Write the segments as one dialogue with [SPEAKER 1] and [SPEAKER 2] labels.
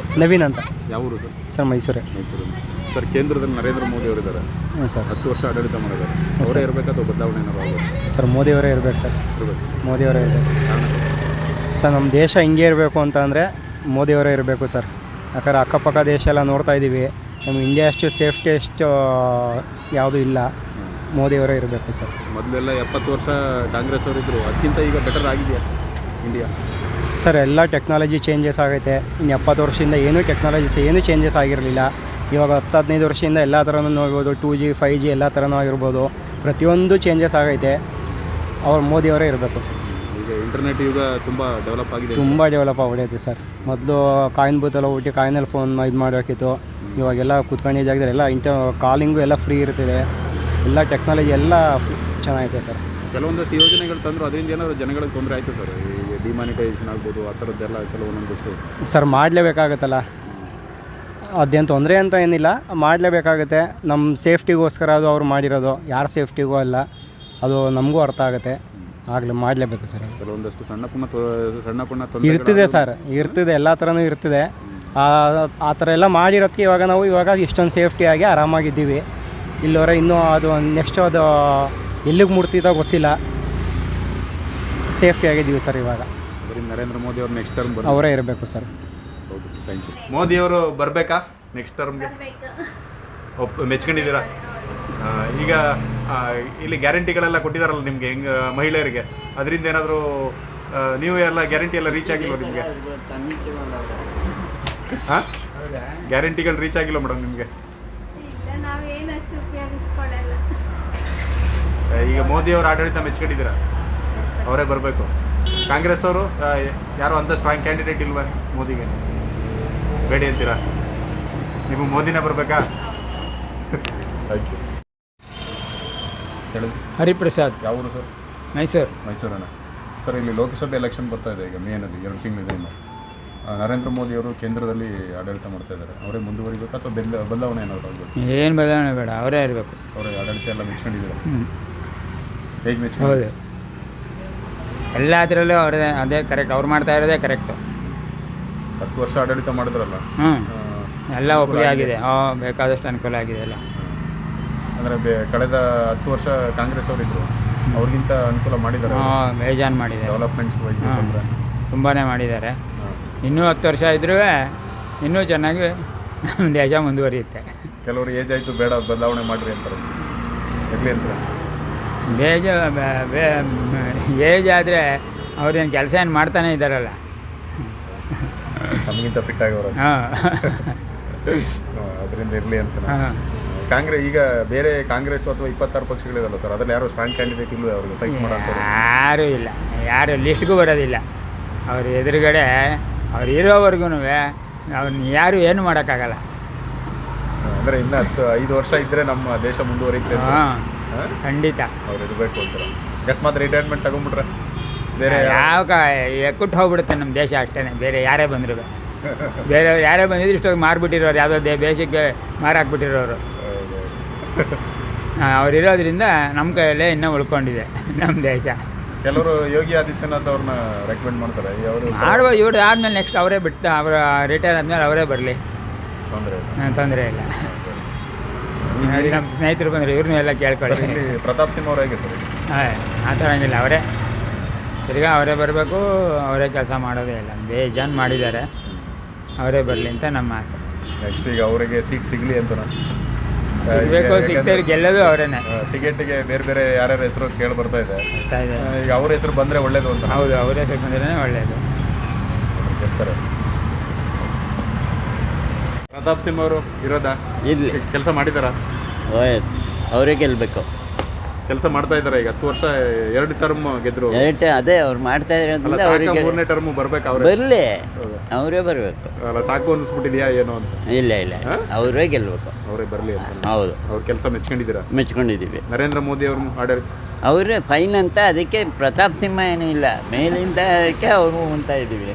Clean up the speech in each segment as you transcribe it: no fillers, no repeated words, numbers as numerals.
[SPEAKER 1] ನವೀನ್ ಅಂತ.
[SPEAKER 2] ಯಾವ ಊರು ಸರ್?
[SPEAKER 1] ಸರ್ ಮೈಸೂರೇ.
[SPEAKER 2] ಮೈಸೂರು. ಸರ್ ಕೇಂದ್ರದಲ್ಲಿ ನರೇಂದ್ರ ಮೋದಿ ಅವರಿದ್ದಾರೆ.
[SPEAKER 1] ಹ್ಞೂ ಸರ್.
[SPEAKER 2] 10 ವರ್ಷ ಆಡಳಿತ ಮಾಡಿದ್ದಾರೆ. ಅವರೇ ಇರಬೇಕಾ ಅಥವಾ ಬದಲಾವಣೆ ಏನಾದ್ರು ಆಗೋದು?
[SPEAKER 1] ಸರ್ ಮೋದಿಯವರೇ ಇರಬೇಕು ಸರ್.
[SPEAKER 2] ಇರಬೇಕು.
[SPEAKER 1] ಮೋದಿಯವರೇ ಇರಬೇಕು ಸರ್. ನಮ್ಮ ದೇಶ ಹಿಂಗೆ ಇರಬೇಕು ಅಂತ ಅಂದರೆ ಮೋದಿಯವರೇ ಇರಬೇಕು ಸರ್. ಯಾಕಂದ್ರೆ ಅಕ್ಕಪಕ್ಕ ದೇಶ ಎಲ್ಲ ನೋಡ್ತಾ ಇದ್ದೀವಿ, ನಮ್ಮ ಇಂಡಿಯಾ ಅಷ್ಟು ಸೇಫ್ಟಿ ಅಷ್ಟು ಯಾವುದೂ ಇಲ್ಲ. ಮೋದಿಯವರೇ ಇರಬೇಕು ಸರ್.
[SPEAKER 2] ಮೊದಲೆಲ್ಲ 70 ವರ್ಷ ಕಾಂಗ್ರೆಸ್ ಅವರಿದ್ದರು, ಅದಕ್ಕಿಂತ ಈಗ ಬೆಟರ್ ಆಗಿದೆಯಾ ಇಂಡಿಯಾ?
[SPEAKER 1] ಸರ್ ಎಲ್ಲ ಟೆಕ್ನಾಲಜಿ ಚೇಂಜಸ್ ಆಗೈತೆ. ಇನ್ನು 70 ವರ್ಷದಿಂದ ಏನೂ ಟೆಕ್ನಾಲಜೀಸ್ ಏನೂ ಚೇಂಜಸ್ ಆಗಿರಲಿಲ್ಲ. ಇವಾಗ 10-15 ವರ್ಷದಿಂದ ಎಲ್ಲ ಥರನೂ ನೋಡ್ಬೋದು. 2G 5G ಎಲ್ಲ ಥರನೂ ಆಗಿರ್ಬೋದು. ಪ್ರತಿಯೊಂದು ಚೇಂಜಸ್ ಆಗೈತೆ. ಅವ್ರು ಮೋದಿಯವರೇ ಇರಬೇಕು ಸರ್.
[SPEAKER 2] ಈಗ ಇಂಟರ್ನೆಟ್ ಯುಗ ತುಂಬ ಡೆವಲಪ್ ಆಗಿದೆ.
[SPEAKER 1] ತುಂಬ ಡೆವಲಪ್ ಆಗ್ಬಿಟ್ಟೈತೆ ಸರ್. ಮೊದಲು ಕಾಯಿನ್ ಬೂತೆಲ್ಲ ಹೋಗ್ಬಿಟ್ಟು ಕಾಯಿನಲ್ಲಿ ಫೋನ್ ಇದು ಮಾಡಬೇಕಿತ್ತು. ಇವಾಗೆಲ್ಲ ಕೂತ್ಕೊಂಡಿದ್ದ ಜಾಗದಲ್ಲಿ ಎಲ್ಲ ಕಾಲಿಂಗು ಎಲ್ಲ ಫ್ರೀ ಇರ್ತಿದೆ. ಎಲ್ಲ ಟೆಕ್ನಾಲಜಿ ಎಲ್ಲ ಚೆನ್ನಾಗೈತೆ ಸರ್.
[SPEAKER 2] ಕೆಲವೊಂದಷ್ಟು ಯೋಜನೆಗಳು ತಂದರು, ಅದರಿಂದ ಏನಾದರೂ ಜನಗಳಿಗೆ ತೊಂದರೆ ಆಯಿತು ಸರ್? ಈಗ ಡಿಮಾನಿಟೈಸೇಷನ್ ಆಗ್ಬೋದು, ಆ ಥರದ್ದೆಲ್ಲ ಕೆಲವೊಂದಷ್ಟು
[SPEAKER 1] ಸರ್ ಮಾಡಲೇಬೇಕಾಗತ್ತಲ್ಲ. ಅದೇನು ತೊಂದರೆ ಅಂತ ಏನಿಲ್ಲ, ಮಾಡಲೇಬೇಕಾಗುತ್ತೆ. ನಮ್ಮ ಸೇಫ್ಟಿಗೋಸ್ಕರ ಅದು ಅವ್ರು ಮಾಡಿರೋದು, ಯಾರ ಸೇಫ್ಟಿಗೂ ಅಲ್ಲ. ಅದು ನಮಗೂ ಅರ್ಥ ಆಗುತ್ತೆ. ಆಗಲಿ ಮಾಡಲೇಬೇಕು ಸರ್.
[SPEAKER 2] ಕೆಲವೊಂದಷ್ಟು ಸಣ್ಣ ಪುಣ್ಣ
[SPEAKER 1] ಇರ್ತಿದೆ ಸರ್, ಇರ್ತಿದೆ, ಎಲ್ಲ ಥರನೂ ಇರ್ತಿದೆ. ಆ ಥರ ಎಲ್ಲ ಮಾಡಿರೋದಕ್ಕೆ ಇವಾಗ ಇಷ್ಟೊಂದು ಸೇಫ್ಟಿಯಾಗಿ ಆರಾಮಾಗಿದ್ದೀವಿ. ಇಲ್ಲವರೆ ಇನ್ನೂ ಅದು ನೆಕ್ಸ್ಟ್ ಅದು ಎಲ್ಲಿಗೆ ಮುಟ್ತಿದ್ದೋ ಗೊತ್ತಿಲ್ಲ. ಸೇಫ್ಟಿಯಾಗಿದ್ದೀವಿ ಸರ್ ಇವಾಗ.
[SPEAKER 2] ನರೇಂದ್ರ ಮೋದಿ ಅವರು ನೆಕ್ಸ್ಟ್ ಟರ್ಮ್
[SPEAKER 1] ಅವರೇ ಇರಬೇಕು sir.
[SPEAKER 2] Okay sir, thank you. ಮೋದಿಯವರು ಬರಬೇಕಾ ನೆಕ್ಸ್ಟ್ ಟರ್ಮ್ಗೆ? ಮೆಚ್ಕೊಂಡಿದ್ದೀರಾ? ಈಗ ಇಲ್ಲಿ ಗ್ಯಾರಂಟಿಗಳೆಲ್ಲ ಕೊಟ್ಟಿದ್ದಾರಲ್ಲ ನಿಮಗೆ, ಹೆಂಗೆ ಮಹಿಳೆಯರಿಗೆ, ಅದರಿಂದ ಏನಾದರೂ ನೀವು ಎಲ್ಲ ಗ್ಯಾರಂಟಿ ಎಲ್ಲ ರೀಚ್ ಆಗಿಲ್ವ ನಿಮಗೆ? ಹಾಂ, ಗ್ಯಾರಂಟಿಗಳು ರೀಚ್ ಆಗಿಲ್ಲ ಮೇಡಮ್ ನಿಮಗೆ? ಈಗ ಮೋದಿಯವರು ಆಡಳಿತ ಮೆಚ್ಕೊಂಡಿದ್ದೀರಾ? ಅವರೇ ಬರಬೇಕು. ಕಾಂಗ್ರೆಸ್ ಅವರು ಯಾರೋ ಅಂಥ ಸ್ಟ್ರಾಂಗ್ ಕ್ಯಾಂಡಿಡೇಟ್ ಇಲ್ವಾ ಮೋದಿಗೆ? ಬೇಡಿ ಅಂತೀರಾ? ನೀವು ಮೋದಿನೇ ಬರಬೇಕಾ? Thank you. ಹೇಳಿ.
[SPEAKER 3] ಹರಿಪ್ರಸಾದ್.
[SPEAKER 2] ಯಾವ ಊರು ಸರ್? ಮೈಸೂರನ್ನ. ಸರ್, ಇಲ್ಲಿ ಲೋಕಸಭೆ ಎಲೆಕ್ಷನ್ ಬರ್ತಾ ಇದೆ ಈಗ ಮೇನಲ್ಲಿ 2 ತಿಂಗಳಿದೆ ಇನ್ನು. ನರೇಂದ್ರ ಮೋದಿ ಅವರು ಕೇಂದ್ರದಲ್ಲಿ ಆಡಳಿತ ಮಾಡ್ತಾ ಇದ್ದಾರೆ. ಅವರೇ ಮುಂದುವರಿಬೇಕಾ ಅಥವಾ ಬದಲಾವಣೆ ಏನಾದರೂ ಆಗಬೇಕು?
[SPEAKER 3] ಏನು ಬದಲಾವಣೆ ಬೇಡ, ಅವರೇ ಇರಬೇಕು.
[SPEAKER 2] ಅವರೇ ಆಡಳಿತ ಎಲ್ಲ ಮೆಚ್ಕೊಂಡಿದ್ದಾರೆ. ಹೇಗೆ
[SPEAKER 3] ಹೌದು,
[SPEAKER 2] ಮೆಚ್ಕೊಂಡು?
[SPEAKER 3] ಎಲ್ಲದರಲ್ಲೂ ಅವರೇ, ಅದೇ ಕರೆಕ್ಟ್. ಅವ್ರು ಮಾಡ್ತಾ ಇರೋದೇ ಕರೆಕ್ಟು.
[SPEAKER 2] 10 ವರ್ಷ ಆಡಳಿತ ಮಾಡಿದ್ರಲ್ಲ.
[SPEAKER 3] ಎಲ್ಲ ಒಪ್ಪಿಗೆ ಆಗಿದೆ. ಬೇಕಾದಷ್ಟು ಅನುಕೂಲ ಆಗಿದೆ ಎಲ್ಲ.
[SPEAKER 2] ಅಂದರೆ ಕಳೆದ 10 ವರ್ಷ ಕಾಂಗ್ರೆಸ್ ಅವರಿದ್ದರು, ಅವ್ರಿಗಿಂತ ಅನುಕೂಲ ಮಾಡಿದ್ದಾರೆ.
[SPEAKER 3] ಬೇಜಾನ್ ಮಾಡಿದ್ದಾರೆ.
[SPEAKER 2] ಡೆವಲಪ್ಮೆಂಟ್ಸ್ ವೈಸ್
[SPEAKER 3] ತುಂಬಾ ಮಾಡಿದ್ದಾರೆ. ಇನ್ನೂ 10 ವರ್ಷ ಇದ್ರೂ ಇನ್ನೂ ಚೆನ್ನಾಗಿ ನಮ್ಮ ದೇಶ ಮುಂದುವರಿಯುತ್ತೆ.
[SPEAKER 2] ಕೆಲವರು ಏಜ್ ಆಯಿತು, ಬೇಡ ಬದಲಾವಣೆ ಮಾಡಿರಿ ಅಂತಾರೆ. ಇರಲಿ ಅಂತಾರೆ.
[SPEAKER 3] ಏಜ್ ಆದರೆ ಅವ್ರೇನು ಕೆಲಸ ಏನು ಮಾಡ್ತಾನೆ ಇದ್ದಾರಲ್ಲ,
[SPEAKER 2] ನಮಗಿಂತ ಫಿಟ್ ಆಗೋರು. ಅದರಿಂದ ಇರಲಿ ಅಂತ. ಕಾಂಗ್ರೆಸ್ ಈಗ ಬೇರೆ ಕಾಂಗ್ರೆಸ್ ಅಥವಾ 26 ಪಕ್ಷಗಳಿರಲ್ಲ ಸರ್, ಅದ್ರಲ್ಲಿ ಯಾರು ಸ್ಟ್ರಾಂಗ್ ಕ್ಯಾಂಡಿಡೇಟ್ ಇಲ್ಲವೇ ಅವ್ರಿಗೆ ಫೈಟ್ ಮಾಡೋದು?
[SPEAKER 3] ಯಾರೂ ಇಲ್ಲ, ಯಾರು ಲಿಸ್ಟ್ಗೂ ಬರೋದಿಲ್ಲ. ಅವ್ರ ಎದುರುಗಡೆ ಅವ್ರು ಇರೋವರೆಗೂ ಅವ್ರನ್ನ ಯಾರು ಏನು ಮಾಡೋಕ್ಕಾಗಲ್ಲ.
[SPEAKER 2] ಅಂದರೆ ಇನ್ನು 5 ವರ್ಷ ಇದ್ದರೆ ನಮ್ಮ ದೇಶ ಮುಂದುವರಿಯುತ್ತೆ.
[SPEAKER 3] ಖಂಡಿತ
[SPEAKER 2] ಅವ್ರು ಇರಬೇಕು ಅಂತಾರೆ. ಅಕಸ್ಮಾತ್ ರಿಟೈರ್ಮೆಂಟ್ ತಗೊಂಡ್ಬಿಟ್ರೆ ಬೇರೆ
[SPEAKER 3] ಎಕ್ಕುಟ್ಟು ಹೋಗ್ಬಿಡುತ್ತೆ ನಮ್ಮ ದೇಶ ಅಷ್ಟೇ. ಬೇರೆ ಯಾರೇ ಬಂದರು, ಬೇರೆಯವ್ರು ಯಾರೇ ಬಂದಿದ್ರು ಇಷ್ಟೊಂದು ಮಾರ್ಬಿಟ್ಟಿರೋರು, ಯಾವುದೋ ದೇಶಕ್ಕೆ ಮಾರಾಕ್ಬಿಟ್ಟಿರೋರು. ಅವರಿರೋದ್ರಿಂದ ನಮ್ಮ ಕೈಯಲ್ಲೇ ಇನ್ನೂ ಉಳ್ಕೊಂಡಿದೆ ನಮ್ಮ ದೇಶ.
[SPEAKER 2] ಕೆಲವರು ಯೋಗಿ ಆದಿತ್ಯನಾಥ್ ಅವ್ರನ್ನ ರೆಕಮೆಂಡ್ ಮಾಡ್ತಾರೆ.
[SPEAKER 3] ಮಾಡುವ ಇವ್ರು ಆದಮೇಲೆ ನೆಕ್ಸ್ಟ್ ಅವರೇ ಬಿಟ್ಟು, ಅವರ ರಿಟೈರ್ ಆದಮೇಲೆ ಅವರೇ ಬರಲಿ, ತೊಂದರೆ ಇಲ್ಲ. ನೋಡಿ, ನಮ್ಮ ಸ್ನೇಹಿತರು ಬಂದರೆ ಇವ್ರನ್ನೂ ಎಲ್ಲ ಕೇಳ್ಕೊಳ್ಳಿ.
[SPEAKER 2] ಪ್ರತಾಪ್ ಸಿಂಹ ಅವ್ರು ಹೇಗೆ ಸರ್?
[SPEAKER 3] ಆ ಥರ ಹಂಗಿಲ್ಲ, ಅವರೇ ತಿರ್ಗಾ ಅವರೇ ಬರಬೇಕು, ಅವರೇ ಕೆಲಸ ಮಾಡೋದೇ ಇಲ್ಲ. ಬೇಜಾನ್ ಮಾಡಿದ್ದಾರೆ, ಅವರೇ ಬರಲಿ ಅಂತ ನಮ್ಮ ಆಸೆ.
[SPEAKER 2] ನೆಕ್ಸ್ಟ್ ಈಗ ಅವರಿಗೆ ಸೀಟ್ ಸಿಗಲಿ ಅಂತ
[SPEAKER 3] ಸಿಗಬೇಕು, ಸಿಗ್ತಾರೆ, ಗೆಲ್ಲೋದು ಅವರೇನೆ.
[SPEAKER 2] ಟಿಕೆಟ್ಗೆ ಬೇರೆ ಬೇರೆ ಯಾರ್ಯಾರ ಹೆಸರು ಕೇಳಿ ಬರ್ತಾ ಇದೆ. ಈಗ ಅವ್ರ ಹೆಸರು ಬಂದರೆ ಒಳ್ಳೇದು ಅಂತ.
[SPEAKER 3] ಹೌದು, ಅವ್ರ ಹೆಸರು ಬಂದ್ರೆ ಒಳ್ಳೇದು.
[SPEAKER 2] ಗೆಲ್ತಾರೆ. ಪ್ರತಾಪ್ ಸಿಂಹ ಅವರು ಇರೋದಾ?
[SPEAKER 4] ಇಲ್ಲಿ
[SPEAKER 2] ಕೆಲಸ ಮಾಡಿದಾರಾ?
[SPEAKER 4] ಅವರೇ ಗೆಲ್ಲಬೇಕು.
[SPEAKER 2] ಕೆಲಸ ಮಾಡ್ತಾ ಇದ್ದಾರೆ. ಈಗ 10 ವರ್ಷ 2 ಟರ್ಮ್ ಗೆದ್ರು.
[SPEAKER 4] ಅದೇ ಅವ್ರು ಮಾಡ್ತಾ ಇದ್ದಾರೆ.
[SPEAKER 2] 3ನೇ ಟರ್ಮ್ ಬರ್ಬೇಕು. ಅವ್ರು
[SPEAKER 4] ಬರಲಿ, ಅವರೇ ಬರಬೇಕು.
[SPEAKER 2] ಅಲ್ಲ, ಸಾಕು ಅನಿಸ್ಬಿಟ್ಟಿದ್ಯಾ ಏನೋ ಅಂತ?
[SPEAKER 4] ಇಲ್ಲ, ಅವರೇ ಗೆಲ್ಲಬೇಕು.
[SPEAKER 2] ಅವರೇ ಬರಲಿ ಅಂತ.
[SPEAKER 4] ಹೌದು,
[SPEAKER 2] ಅವ್ರ ಕೆಲಸ ಮೆಚ್ಕೊಂಡಿದ್ದೀರಾ?
[SPEAKER 4] ಮೆಚ್ಕೊಂಡಿದ್ದೀವಿ.
[SPEAKER 2] ನರೇಂದ್ರ ಮೋದಿ ಅವರು ಆಡಳಿತ
[SPEAKER 4] ಅವರೇ ಫೈನ್ ಅಂತ, ಅದಕ್ಕೆ ಪ್ರತಾಪ್ ಸಿಂಹ ಏನೂ ಇಲ್ಲ, ಮೇಲಿಂದ ಅವರು ಅಂತ ಇದ್ದೀವಿ.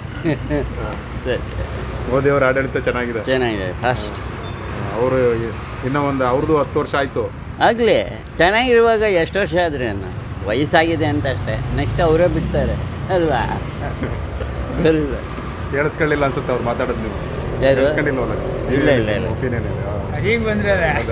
[SPEAKER 2] ಮೋದಿ ಅವರ ಆಡಳಿತ ಚೆನ್ನಾಗಿದೆ.
[SPEAKER 4] ಫಸ್ಟ್
[SPEAKER 2] ಅವರು ಇನ್ನೂ ಅವ್ರದ್ದು 10 ವರ್ಷ ಆಯಿತು.
[SPEAKER 4] ಆಗಲಿ, ಚೆನ್ನಾಗಿರುವಾಗ ಎಷ್ಟು ವರ್ಷ ಆದರೆ ವಯಸ್ಸಾಗಿದೆ ಅಂತ ಅಷ್ಟೇ. ನೆಕ್ಸ್ಟ್ ಅವರೇ ಬಿಡ್ತಾರೆ ಅಲ್ವಾ?
[SPEAKER 2] ಕೇಳಿಸ್ಕೊಳ್ಳಿಲ್ಲ ಅನ್ಸುತ್ತೆ ಅವ್ರು ಮಾತಾಡೋದು ನೀವು.
[SPEAKER 4] ಯಾರು?
[SPEAKER 2] ಕೇಳಿಸ್ಕೊಂಡಿಲ್ವಲ್ಲ?
[SPEAKER 4] ಇಲ್ಲ ಇಲ್ಲ ಇಲ್ಲ
[SPEAKER 2] ಒಪಿನಿಯನ್ ಇದೆ.
[SPEAKER 3] ಈಗ ಬಂದ್ರೆ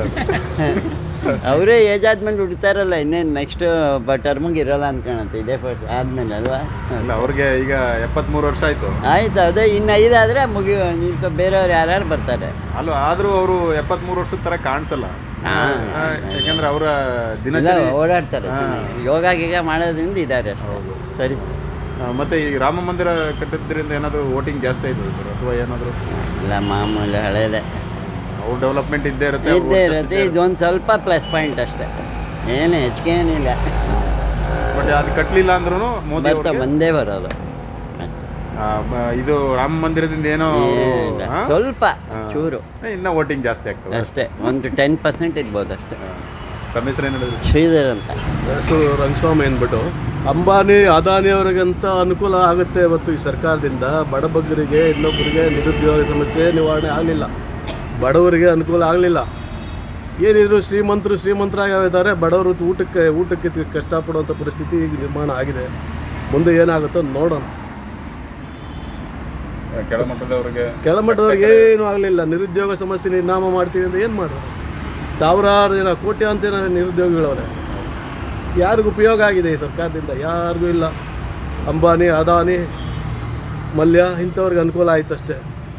[SPEAKER 4] ಅವರೇ ಏಜ್ ಆದ್ಮೇಲೆ ಹುಡ್ತಾರಲ್ಲ, ಇನ್ನೇನು ನೆಕ್ಸ್ಟ್ ಟರ್ಮಿಗೆ ಇರೋಲ್ಲ ಅನ್ಕೊಳತ್ತೆ, ಇದೇ ಫಸ್ಟ್ ಆದ್ಮೇಲೆ ಅಲ್ವಾ?
[SPEAKER 2] ಇಲ್ಲ ಅವ್ರಿಗೆ ಈಗ 73 ವರ್ಷ ಆಯ್ತು.
[SPEAKER 4] ಆಯ್ತು, ಅದೇ ಇನ್ನು 5 ಆದರೆ ಮುಗಿಯೋ, ನಿಂತು ಬೇರೆಯವ್ರು ಯಾರ್ಯಾರು ಬರ್ತಾರೆ.
[SPEAKER 2] ಅಲ್ಲ ಆದ್ರೂ ಅವರು 73 ವರ್ಷದ ತರ ಕಾಣಿಸಲ್ಲ. ಯಾಕಂದ್ರೆ ಅವರ
[SPEAKER 4] ಇಲ್ಲ,
[SPEAKER 2] ದಿನಚರಿ
[SPEAKER 4] ಓಡಾಡ್ತಾರೆ ಯೋಗ ಗೀಗ ಮಾಡೋದ್ರಿಂದ ಇದ್ದಾರೆ ಅಷ್ಟೇ. ಸರಿ.
[SPEAKER 2] ಮತ್ತೆ ಈ ರಾಮ ಮಂದಿರ ಕಟ್ಟಿದ್ರಿಂದ ಏನಾದರೂ ವೋಟಿಂಗ್ ಜಾಸ್ತಿ ಆಯ್ತದೆ ಸರ್, ಅಥವಾ ಏನಾದರೂ?
[SPEAKER 4] ಇಲ್ಲ, ಮಾಮೂಲಿ ಹಳೇದೆ
[SPEAKER 2] ಅವ್ರ ಡೆವಲಪ್ಮೆಂಟ್ ಇದ್ದೇ ಇರುತ್ತೆ,
[SPEAKER 4] ಇದ್ದೇ ಇರುತ್ತೆ. ಇದೊಂದು ಸ್ವಲ್ಪ ಪ್ಲಸ್ ಪಾಯಿಂಟ್ ಅಷ್ಟೇ, ಏನು ಹೆಚ್ಚಿಗೆ ಏನಿಲ್ಲ.
[SPEAKER 2] ಬಟ್ ಅದು ಕಟ್ಟಲಿಲ್ಲ ಅಂದ್ರೂ ಮೋದಿ
[SPEAKER 4] ಬರ್ತಾ
[SPEAKER 2] ಅವ್ರಿಗೆ,
[SPEAKER 4] ಬಂದೇ ಬರೋದು ಅಷ್ಟೇ.
[SPEAKER 2] ಇದು ರಾಮ ಮಂದಿರದಿಂದ ಏನೋ
[SPEAKER 4] ಏನಿಲ್ಲ, ಸ್ವಲ್ಪ ಚೂರು
[SPEAKER 2] ಇನ್ನ ವೋಟಿಂಗ್ ಜಾಸ್ತಿ ಆಗ್ತದೆ
[SPEAKER 4] ಅಷ್ಟೇ, ಒಂದು 10% ಇರ್ಬೋದು ಅಷ್ಟೇ.
[SPEAKER 2] ತಮ್ಮ ಹೆಸರು ಏನು ಹೇಳಿದ್ರು?
[SPEAKER 4] ಶ್ರೀಧರ್ ಅಂತ.
[SPEAKER 5] ಹೆಸರು ರಂಗಸ್ವಾಮಿ ಅಂದ್ಬಿಟ್ಟು. ಅಂಬಾನಿ ಅದಾನಿ ಅವರಿಗಂತ ಅನುಕೂಲ ಆಗುತ್ತೆ ಇವತ್ತು ಈ ಸರ್ಕಾರದಿಂದ. ಬಡಬಗ್ಗರಿಗೆ, ಇನ್ನೊಬ್ಬರಿಗೆ ನಿರುದ್ಯೋಗ ಸಮಸ್ಯೆ ನಿವಾರಣೆ ಆಗಲಿಲ್ಲ, ಬಡವರಿಗೆ ಅನುಕೂಲ ಆಗಲಿಲ್ಲ. ಏನಿದ್ರು ಶ್ರೀಮಂತರಾಗಿದ್ದಾರೆ, ಬಡವರು ಊಟಕ್ಕೆ ಕಷ್ಟಪಡುವಂಥ ಪರಿಸ್ಥಿತಿ ಈಗ ನಿರ್ಮಾಣ ಆಗಿದೆ. ಮುಂದೆ ಏನಾಗುತ್ತೋ ನೋಡೋಣ. ಕೆಳಮಟ್ಟದವ್ರಿಗೆ ಏನೂ ಆಗಲಿಲ್ಲ, ನಿರುದ್ಯೋಗ ಸಮಸ್ಯೆ ನಿರ್ನಾಮ ಮಾಡ್ತೀವಿ ಅಂತ ಏನು ಮಾಡೋದು? ಸಾವಿರಾರು ಜನ, ಕೋಟ್ಯಾಂತರ ನಿರುದ್ಯೋಗಿಗಳವ್ರೆ. ಯಾರಿಗೂ ಉಪಯೋಗ ಆಗಿದೆ ಈ ಸರ್ಕಾರದಿಂದ? ಯಾರಿಗೂ ಇಲ್ಲ. ಅಂಬಾನಿ, ಅದಾನಿ, ಮಲ್ಯ ಇಂಥವ್ರಿಗೆ ಅನುಕೂಲ ಆಯ್ತು ಅಷ್ಟೇ.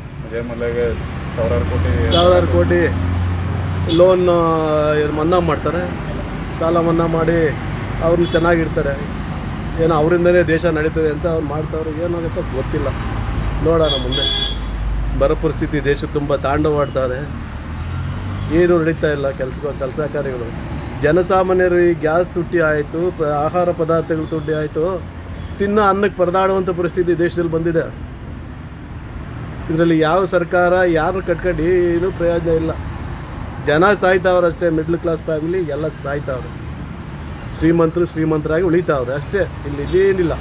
[SPEAKER 5] ಸಾವಿರಾರು ಕೋಟಿ ಲೋನ್ ಮನ್ನಾ ಮಾಡ್ತಾರೆ, ಸಾಲ ಮನ್ನಾ ಮಾಡಿ ಅವ್ರನ್ನ ಚೆನ್ನಾಗಿರ್ತಾರೆ. ಏನೋ ಅವರಿಂದನೇ ದೇಶ ನಡೀತದೆ ಅಂತ ಅವ್ರು ಮಾಡ್ತಾವ್ರು. ಏನಾಗುತ್ತೋ ಗೊತ್ತಿಲ್ಲ, ನೋಡೋಣ ಮುಂದೆ. ಬರ ಪರಿಸ್ಥಿತಿ ದೇಶ ತುಂಬ ತಾಂಡವಾಡ್ತಾರೆ, ಏನೂ ನಡೀತಾ ಇಲ್ಲ. ಕೆಲಸ ಕಾರ್ಯಗಳು. ಜನಸಾಮಾನ್ಯರು ಈ ಗ್ಯಾಸ್ ತುಟ್ಟಿ ಆಯಿತು, ಆಹಾರ ಪದಾರ್ಥಗಳು ತುಟ್ಟಿ ಆಯಿತು, ತಿನ್ನೋ ಅನ್ನಕ್ಕೆ ಪರದಾಡುವಂಥ ಪರಿಸ್ಥಿತಿ ದೇಶದಲ್ಲಿ ಬಂದಿದೆ. ಇದರಲ್ಲಿ ಯಾವ ಸರ್ಕಾರ ಯಾರು ಕಟ್ಕೊಂಡು ಏನೂ ಪ್ರಯೋಜನ ಇಲ್ಲ. ಜನ ಸಾಯ್ತಾವ್ರೆ, ಮಿಡ್ಲ್ ಕ್ಲಾಸ್ ಫ್ಯಾಮಿಲಿ ಎಲ್ಲ ಸಾಯ್ತಾವ್ರೆ. ಶ್ರೀಮಂತರಾಗಿ ಉಳಿತಾವ್ರೆ ಅಷ್ಟೇ, ಇಲ್ಲಿ ಇದೇನಿಲ್ಲ.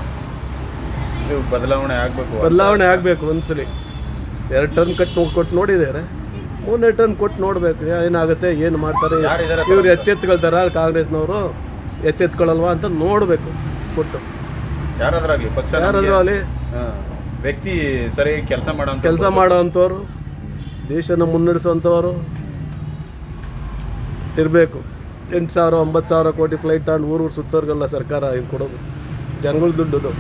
[SPEAKER 5] ಬದಲಾವಣೆ ಆಗಬೇಕು. ಒಂದ್ಸಲಿ 2 ಟರ್ಮ್ ಕೊಟ್ಟು ನೋಡಿದ್ದಾರೆ, 3ನೇ ಟರ್ಮ್ ಕೊಟ್ಟು ನೋಡಬೇಕು ಏನಾಗುತ್ತೆ, ಏನು ಮಾಡ್ತಾರೆ. ಇವ್ರು ಎಚ್ಚೆತ್ಕೊಳ್ತಾರ ಕಾಂಗ್ರೆಸ್ನವರು, ಎಚ್ಚೆತ್ಕೊಳ್ಳಲ್ವಾ ಅಂತ ನೋಡಬೇಕು. ಕೊಟ್ಟು ಯಾರಾದ್ರೂ ಅಲ್ಲಿ
[SPEAKER 2] ವ್ಯಕ್ತಿ ಸರಿ ಕೆಲಸ
[SPEAKER 5] ಮಾಡೋವಂಥವ್ರು, ದೇಶನ ಮುನ್ನಡೆಸೋವಂಥವ್ರು ಇರಬೇಕು. 8,000 9,000 ಕೋಟಿ ಫ್ಲೈಟ್ ತಗೊಂಡು ಊರು ಸುತ್ತೋರ್ಗೆಲ್ಲ ಸರ್ಕಾರ ಇದು ಕೊಡೋದು, ಜನಗಳ ದುಡ್ಡು.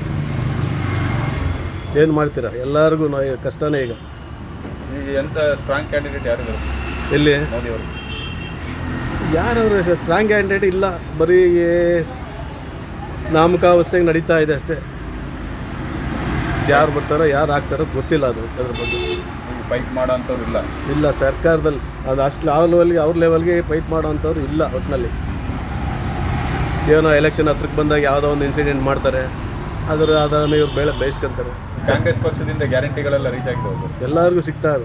[SPEAKER 5] ಏನು ಮಾಡ್ತೀರಾ? ಎಲ್ಲರಿಗೂ ಕಷ್ಟನೇ ಈಗ.
[SPEAKER 2] ಎಂತ ಸ್ಟ್ರಾಂಗ್ ಕ್ಯಾಂಡಿಡೇಟ್ ಯಾರು
[SPEAKER 5] ಎಲ್ಲಿ?
[SPEAKER 2] ಮೋದಿ ಅವರು
[SPEAKER 5] ಯಾರವರು ಸ್ಟ್ರಾಂಗ್ ಕ್ಯಾಂಡಿಡೇಟ್ ಇಲ್ಲ, ಬರೀ ನಾಮಕಾವಸ್ಥೆಗೆ ನಡೀತಾ ಇದೆ ಅಷ್ಟೇ. ಯಾರು ಬರ್ತಾರೋ ಯಾರು ಆಗ್ತಾರೋ ಗೊತ್ತಿಲ್ಲ. ಅದ್ರ ಬಗ್ಗೆ
[SPEAKER 2] ಫೈಟ್ ಮಾಡೋ ಅಂಥವ್ರು ಇಲ್ಲ
[SPEAKER 5] ಸರ್ಕಾರದಲ್ಲಿ. ಅದು ಅಷ್ಟು ಅವ್ರ ಲೆವೆಲ್ಗೆ ಫೈಟ್ ಮಾಡೋ ಅಂಥವ್ರು ಇಲ್ಲ ಒಟ್ಟಿನಲ್ಲಿ. ಏನೋ ಎಲೆಕ್ಷನ್ ಹತ್ರಕ್ಕೆ ಬಂದಾಗ ಯಾವುದೋ ಒಂದು ಇನ್ಸಿಡೆಂಟ್ ಮಾಡ್ತಾರೆ, ಅದನ್ನು ಇವ್ರು ಬೇಯಿಸ್ಕೊಂತಾರೆ.
[SPEAKER 2] ಕಾಂಗ್ರೆಸ್ ಪಕ್ಷದಿಂದ ಗ್ಯಾರಂಟಿಗಳೆಲ್ಲ ರೀಚ್ ಆಗಿರೋದು
[SPEAKER 5] ಎಲ್ಲರಿಗೂ ಸಿಗ್ತಾವೆ.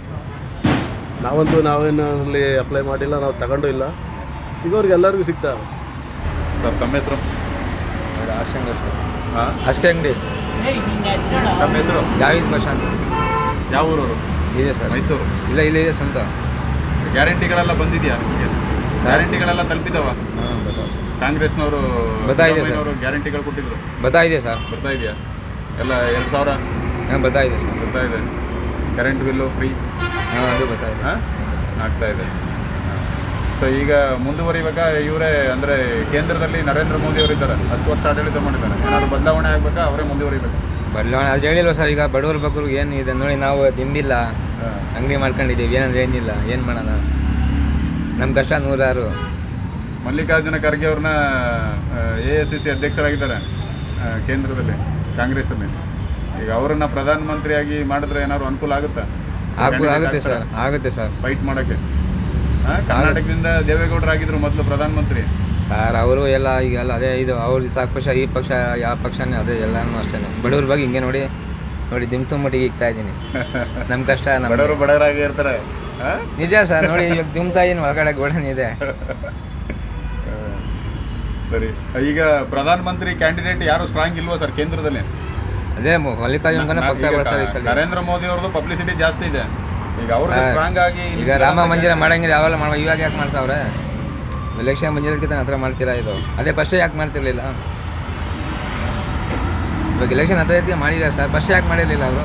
[SPEAKER 5] ನಾವೇನು ಅಲ್ಲಿ ಅಪ್ಲೈ ಮಾಡಿಲ್ಲ, ನಾವು ತಗೊಂಡು ಇಲ್ಲ. ಸಿಗೋರಿಗೆ ಎಲ್ಲರಿಗೂ ಸಿಗ್ತಾವೆ.
[SPEAKER 2] ಸರ್ ತಮ್ಮ ಹೆಸರು?
[SPEAKER 3] ಅಷ್ಟೇ ಅಂಗಡಿ.
[SPEAKER 2] ತಮ್ಮ ಹೆಸರು?
[SPEAKER 3] ಜಾವೇದ್ ಭಾಷಾ ಅಂತ.
[SPEAKER 2] ಯಾವ ಊರವರು?
[SPEAKER 3] ಇದೆ ಸರ್.
[SPEAKER 2] ಮೈಸೂರು?
[SPEAKER 3] ಇಲ್ಲ, ಇದೆ ಸ್ವಂತ.
[SPEAKER 2] ಗ್ಯಾರಂಟಿಗಳೆಲ್ಲ ಬಂದಿದೆಯಾ ನಿಮಗೆ? ಗ್ಯಾರಂಟಿಗಳೆಲ್ಲ ತಲುಪಿದಾವ? ಕಾಂಗ್ರೆಸ್ನವರು ಗ್ಯಾರಂಟಿಗಳು ಕೊಟ್ಟಿದ್ರು, ಬರ್ತಾ ಇದೆಯಾ? ಎಲ್ಲ 2,000
[SPEAKER 3] ಬರ್ತಾ ಇದೆ ಸರ್.
[SPEAKER 2] ಬರ್ತಾ ಇದೆ. ಕರೆಂಟ್ ಬಿಲ್ಲು ಫ್ರೀ
[SPEAKER 3] ಅದು ಬರ್ತಾ ಇದೆ,
[SPEAKER 2] ಆಗ್ತಾ ಇದೆ. ಸೊ ಈಗ ಮುಂದುವರಿವಾಗ ಇವರೇ ಅಂದರೆ ಕೇಂದ್ರದಲ್ಲಿ ನರೇಂದ್ರ ಮೋದಿ ಅವರು ಇದ್ದಾರೆ, 10 ವರ್ಷ ಆಡಳಿತ ಮಾಡಿದ್ದಾರೆ. ಏನಾದ್ರು ಬದಲಾವಣೆ ಆಗಬೇಕಾ, ಅವರೇ ಮುಂದುವರಿಬೇಕು?
[SPEAKER 3] ಬದಲಾವಣೆ ಅದು ಹೇಳಿಲ್ವ ಸರ್. ಈಗ ಬಡವ್ರ ಬಗ್ಗೆ ಏನು ಇದೆ ನೋಡಿ, ನಾವು ದಿಂಬಿಲ್ಲ, ಅಂಗಡಿ ಮಾಡ್ಕೊಂಡಿದ್ದೀವಿ, ಏನಂದ್ರೆ ಏನಿಲ್ಲ, ಏನು ಮಾಡೋಣ? ನಮ್ಮ ಕಷ್ಟ 100.
[SPEAKER 2] ಮಲ್ಲಿಕಾರ್ಜುನ ಖರ್ಗೆ ಅವ್ರನ್ನ AICC ಅಧ್ಯಕ್ಷರಾಗಿದ್ದಾರೆ ಕೇಂದ್ರದಲ್ಲಿ, ಕಾಂಗ್ರೆಸ್ಸಲ್ಲಿ. ಈಗ ಅವರನ್ನ ಪ್ರಧಾನಮಂತ್ರಿಯಾಗಿ ಮಾಡಿದ್ರೆ ಏನಾದ್ರು ಅನುಕೂಲ ಆಗುತ್ತಾ?
[SPEAKER 3] ಆಗುತ್ತೆ ಸರ್, ಆಗುತ್ತೆ ಸರ್.
[SPEAKER 2] ಫೈಟ್ ಮಾಡೋಕ್ಕೆ ಕರ್ನಾಟಕದಿಂದ ದೇವೇಗೌಡರಾಗಿದ್ರು ಮೊದಲು ಪ್ರಧಾನಮಂತ್ರಿ
[SPEAKER 3] ಸರ್. ಅವರು ಎಲ್ಲ ಈಗೆಲ್ಲ ಅದೇ ಇದು ಅವ್ರದ್ದು ಸಾಕು ಪಕ್ಷ, ಈ ಪಕ್ಷ ಯಾವ ಪಕ್ಷನೇ ಅದೇ, ಎಲ್ಲನೂ ಅಷ್ಟೇ. ಬಡವ್ರ ಬಗ್ಗೆ ಹಿಂಗೆ ನೋಡಿ ದುಮ್ತುಮ್ಮಟ್ಟಿಗೆ ಇಕ್ತಾ ಇದ್ದೀನಿ. ನಮ್ಮ ಕಷ್ಟ
[SPEAKER 2] ಬಡವರಾಗಿ ಇರ್ತಾರೆ.
[SPEAKER 3] ನಿಜ ಸರ್. ನೋಡಿ ಇವಾಗ ದುಮ್ತಾ ಇದ್ದೀನಿ, ಹೊರಗಡೆ ಗೋಡನ್ ಇದೆ.
[SPEAKER 2] ಸರಿ, ಈಗ ಪ್ರಧಾನಮಂತ್ರಿ ಕ್ಯಾಂಡಿಡೇಟ್ ಯಾರು ಸ್ಟ್ರಾಂಗ್ ಇಲ್ವಾ ಸರ್ ಕೇಂದ್ರದಲ್ಲಿ?
[SPEAKER 3] ಅದೇ ಮಲ್ಲಿಕಾರ್ಜುನ ಪಕ್ಕ ಬರ್ತಾರೆ.
[SPEAKER 2] ನರೇಂದ್ರ ಮೋದಿ ಅವ್ರದ್ದು ಪಬ್ಲಿಸಿಟಿ ಜಾಸ್ತಿ ಇದೆ. ಈಗ ಅವ್ರಿಗೆ ಸ್ಟ್ರಾಂಗ್ ಆಗಿ
[SPEAKER 3] ಈಗ ರಾಮ ಮಂದಿರ ಮಾಡಂಗಿಲ್ಲ, ಯಾವೆಲ್ಲ ಇವಾಗ ಯಾಕೆ ಮಾಡ್ತಾವ್ರೆ? ಎಲೆಕ್ಷನ್ ಮಂದಿರಕ್ಕಿಂತ ಹತ್ರ ಮಾಡ್ತೀರಾ ಇದು? ಅದೇ ಫಸ್ಟೇ ಯಾಕೆ ಮಾಡ್ತಿರ್ಲಿಲ್ಲ? ಇವಾಗ ಎಲೆಕ್ಷನ್ ಹತ್ರ ಮಾಡಿದ್ದಾರೆ ಸರ್, ಫಸ್ಟ್ ಯಾಕೆ ಮಾಡಿರಲಿಲ್ಲ ಅವರು?